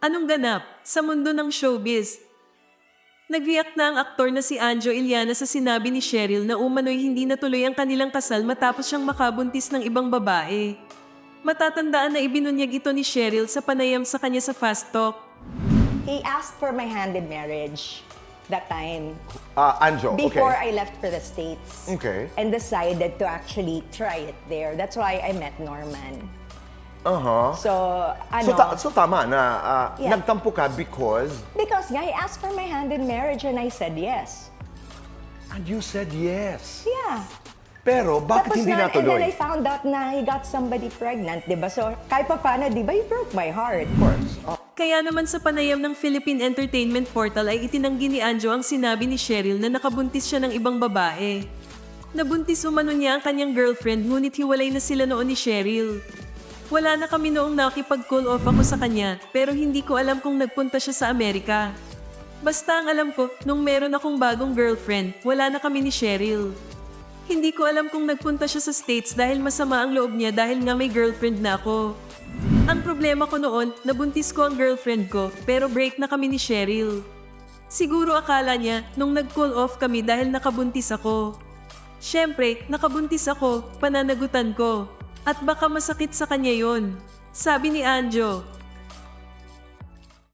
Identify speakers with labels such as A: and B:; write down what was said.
A: Anong ganap sa mundo ng showbiz? Nag-react na ang aktor na si Anjo Iliana sa sinabi ni Cheryl na umano'y hindi natuloy ang kanilang kasal matapos siyang makabuntis ng ibang babae. Matatandaan na ibinunyag ito ni Cheryl sa panayam sa kanya sa Fast Talk.
B: He asked for my hand in marriage that time.
C: Anjo,
B: Before
C: okay.
B: I left for the States.
C: Okay.
B: And decided to actually try it there. That's why I met Norman. So,
C: So tama na
B: Yeah.
C: nagtampo ka because
B: because he asked for my hand in marriage and I said yes.
C: and you said yes.
B: Yeah.
C: Pero bakit hindi
B: and then I
C: natuloy?
B: found out na he got somebody pregnant, di ba? So, kahit pa paano, di ba, he broke my heart.
C: Of course.
A: Kaya naman sa panayam ng Philippine Entertainment Portal ay itinanggi ni Anjo ang sinabi ni Cheryl na nakabuntis siya ng ibang babae. Nabuntis umano niya ang kanyang girlfriend ngunit hiwalay na sila noon ni Cheryl. Wala na kami noong nakipag-call off ako sa kanya pero hindi ko alam kung nagpunta siya sa Amerika. Basta ang alam ko, nung meron akong bagong girlfriend, wala na kami ni Cheryl. Hindi ko alam kung nagpunta siya sa States dahil masama ang loob niya dahil nga may girlfriend na ako. Ang problema ko noon, nabuntis ko ang girlfriend ko pero break na kami ni Cheryl. Siguro akala niya nung nag-call off kami dahil nakabuntis ako. Siyempre, nakabuntis ako, pananagutan ko. At baka masakit sa kanya yon. Sabi ni Anjo.